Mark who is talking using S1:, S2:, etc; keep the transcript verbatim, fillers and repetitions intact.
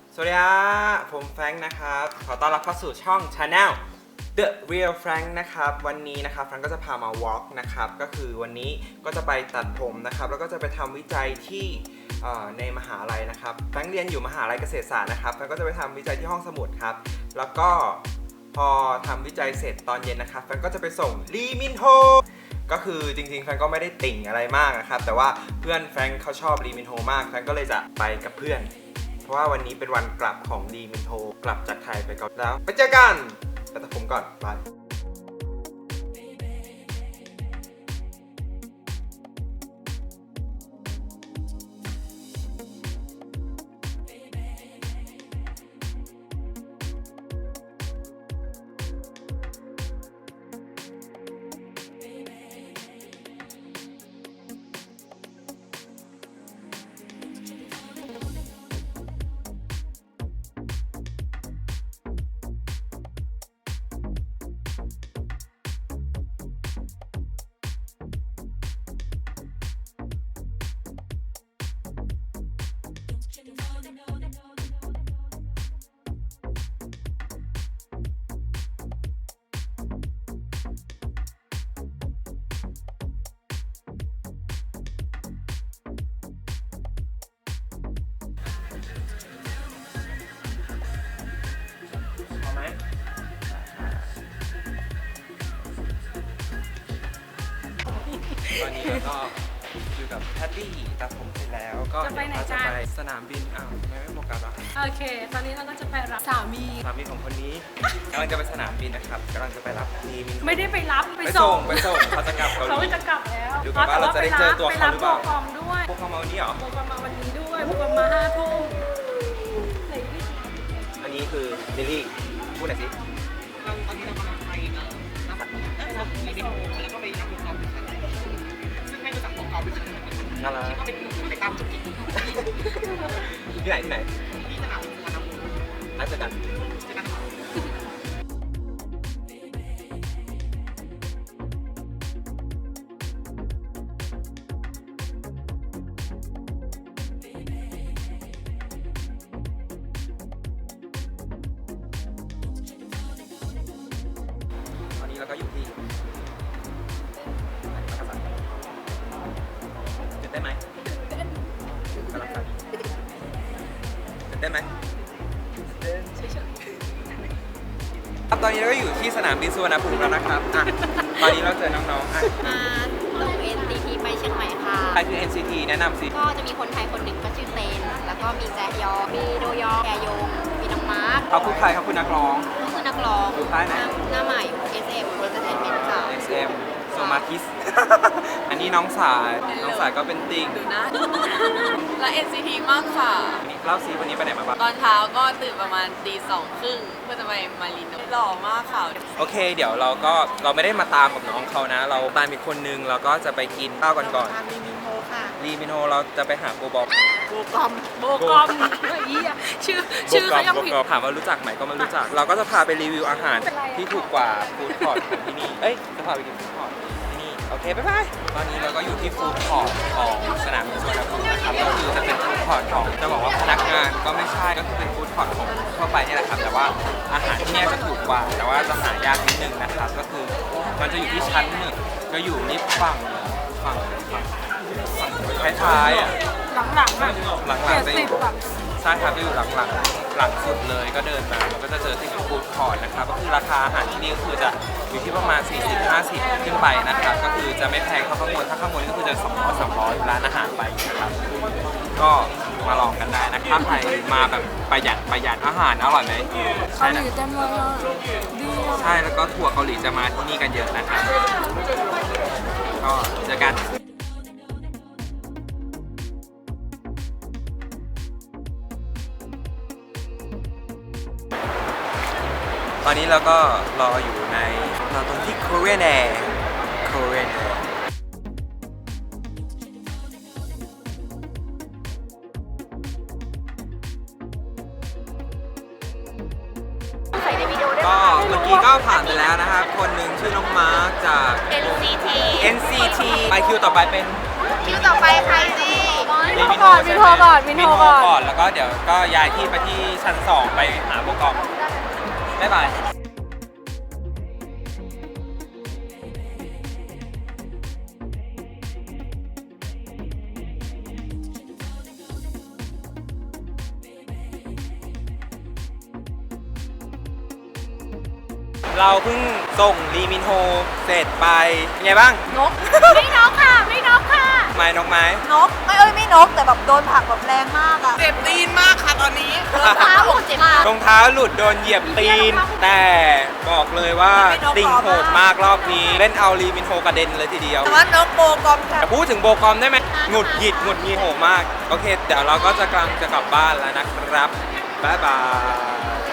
S1: สวัสดีครับผมแฟรงค์นะครับขอต้อนรับเข้าสู่ช่อง Channel The Real Frank นะครับวันนี้นะครับแฟรงค์ก็จะพามา walk นะครับก็คือวันนี้ก็จะไปตัดผมนะครับแล้วก็จะไปทำวิจัยที่ในมหาลัยนะครับแฟรงค์เรียนอยู่มหาลัยเกษตรศาสตร์นะครับแฟรงค์ก็จะไปทำวิจัยที่ห้องสมุดครับแล้วก็พอทำวิจัยเสร็จตอนเย็นนะครับแฟรงค์ก็จะไปส่งลีมินโฮก็คือจริงๆแฟรงค์ก็ไม่ได้ติ่งอะไรมากนะครับแต่ว่าเพื่อนแฟรงค์เขาชอบลีมินโฮมากแฟรงค์ก็เลยจะไปกับเพื่อนเพราะว่าวันนี้เป็นวันกลับของลีมินโฮกลับจากไทยไปก่อนแล้วไปเจอกันไปตัดผมก่อนบายตอนนี้เราก็อยู่กับแพตตี้ตัดผมเสร็จแล้วก็
S2: จะไปไหน
S1: เราจะ
S2: กัน
S1: ไปสนามบินอ้าวทำไมไม่โฟกัสอ่ะ
S2: โอเค ตอนนี้เราก็จะไปรับสามี
S1: สนามบินของคนนี้กำลังจะไปสนามบินนะครับกำลังจะไปรับลีมิน
S2: ไม่ได้ไปรับ ไป
S1: ไป
S2: ส่
S1: ส่
S2: ง
S1: งไปส่งเขาจะกลับเกาห
S2: เขา
S1: ลี
S2: จะกลับแล้ว
S1: ดูกันว่าเราจะได้เจอตัวเขาหรือเปล่า
S2: ไปรับโปรกอมด้วย
S1: พวกเขามาวันนี้เหรอ
S2: โปรกอมมาวันนี้ด้วยโปรกอมมาห้าทุ่มไหนดิ
S1: อันนี้คือลิลลี่พูดหน่อยสิ
S3: ตอนนี้เรากำลังไปเอ่อรับบัตรเออรับรีวิวแล้วก็ไปรับลูกกอล์ฟด้วยกันซึ่งไม่รู้จักลูกกอล์ฟด้วยกัน
S1: น่ารัก
S3: ก็เป็นไปตามจุดที่
S1: ที่ไหนที่ไหน
S3: ที่สนามบินสุวรรณภูมิ
S1: นัดเจอกัน
S3: ใช่ไหม
S1: ตอนนี้เราก็อยู่ที่มักกะสันตื่นเต้นไหมกำลังสั่นตื่นเต้นไหมครับตอนนี้เราก็อยู่ที่สนามบินสุวรรณภูมิแล้วนะครับอ่ะตอนนี้เราเจอน้องๆอ่ะ
S4: มาลง เอ็น ซี ที ไปเชียงใหม่ค่ะ
S1: ใครคือ เอ็น ซี ที แนะนำสิ
S4: ก็จะมีคนไทยคนหนึ่งก็ชื่อเตน แล้วก็มีแจยอ มีโดยอแกยง มีน้องมาร์ค
S1: เขาคือใครเขาคือนักร้อง
S4: ก็คือนักร้อง
S1: อยู่ค่ายไหน
S4: หน้าใหม่ เอส เอ็ม Entertainment ค่ะ
S1: เอส เอ็ม โซมาคิส อันนี้น้องสาย น้องสายก็เป็นติ่ง
S5: ดูนะ และ เอ็น ซี ที มากค่ะ
S1: เล่าซีวันนี้ไปไหนมาบ้าง
S5: ตอนเช้าก็ตื่นประมาณตีสองครึ่งเพื่อจะไปมาริโนหล่อมากค่ะ
S1: โอเค เดี๋ยวเราก็เราไม่ได้มาตามกับน้องเขานะ เราตามอีกคนนึงเราก็จะไปกินข้าวกันก่อน
S3: ทานรีวิวโฮค่ะ
S1: รีมิโนเราจะไปหาโกบอก
S3: โบกอม
S2: โบกอมเฮ้ยอ่ะชื่อชื่อเขายัง
S1: โบ
S2: ผิด
S1: กอมถามว่ารู้จักไหมก็ไม่รู้จัก เราก็จะพาไปรีวิวอาหารที่ถูกกว่าฟู้ดคอร์ทของที่นี่ เอ้ย จะพาไปกินฟู้ดคอร์ทที่นี่ โอเค บ๊ายบาย ตอนนี้เราก็อยู่ที่ฟู้ดคอร์ทของสนามบินสุวรรณภูมินะครับ ก็คือจะเป็นฟู้ดคอร์ทของจะบอกว่าพนักงานก็ไม่ใช่ ก็คือเป็นฟู้ดคอร์ทของทั่วไปนี่แหละครับ แต่ว่าอาหารที่นี่จะถูกกว่า แต่ว่าจะหายากนิดนึงนะครับ ก็คือมันจะอยู่ที่ชั้นหนึ่งก็อยู่นิดฝั่งฝั่งฝั่งฝั่งท้ายๆอ่ะ
S2: หลังๆอ่ะ
S1: หลัง
S2: เจ็ด
S1: ๆจะอ
S2: สิบ
S1: ยู่
S2: อ่ะ
S1: ใช่ครับจะอยู่หลังหลังหลังสุดเลยก็เดินมามันก็จะเจอที่เป็นฟู้ดคอร์ทนะครับก็คือราคาอาหารที่นี่ก็คือจะอยู่ที่ประมาณ สี่สิบ ห้าสิบ ขึ้นไปนะครับก็คือจะไม่แพงเท่าข้างบนถ้าข้างบนก็คือจะสองร้อย สามร้อยร้านอาหารไปนะครับก็มาลองกันได้นะครับใครมาแบบประหยัดประหยัดอาหารอร่อยไหม
S2: เกา
S1: ใช่
S2: หลี
S1: นะ
S2: เต็มเลยอ่ะดีอ่ะ
S1: ใช่แล้วก็ทัวร์เกาหลีจะมาที่นี่กันเยอะนะครับก็เจอกันตอนนี้เราก็รออยู่ในเราตรงที่ Korean Air Korean Air
S4: ใส่ในวิดีโอได้
S1: ก็เมื่อกี้ก็ผ่านไปแล้วนะครับ คนหนึ่งชื่อน้องมาร์คจาก
S4: เอ็น ซี ที
S1: เอ็น ซี ที ไปคิวต่อไปเป็น
S4: คิวต่อไปใครสิ
S1: ลรี
S2: มินโฮก่อน
S1: ใช่ไห
S2: มินโฮก่อนมินโฮก่อน
S1: ก่อนแล้วก็เดี๋ยวก็ย้ายที่ไปที่ชั้นสองไปหาโปรกรมบ๊ายบายเราเพิ่งส่งลีมินโฮเสร็จไปเป็นไงบ้าง
S2: นก ไม่นกค่ะ ไม่นกค่ะ
S1: ไม้นกไม้
S6: นกไม่เอ้ยไม่นกแต่แบบโดนผลักแบบแรงมากอะ
S3: เจ็บตีนมากค่ะตอนนี้
S2: เท้าหกเจ็บมาก
S1: รองเท้าหลุดโดนเหยียบตีน แต่บอกเลยว่าติ่งโหดมากรอบนี้ เล่นเอาลีมินโฮกระเด็นเลยทีเดียว
S6: แต่ว่านกโบกอมค่ะ
S1: แต่พูดถึงโบกอมได้ไหมหงุดหงิดหงุดหงิดโหดมาก โอเค เดี๋ยวเราก็จะกำลังจะกลับบ้านแล้วนะครับ บ๊ายบาย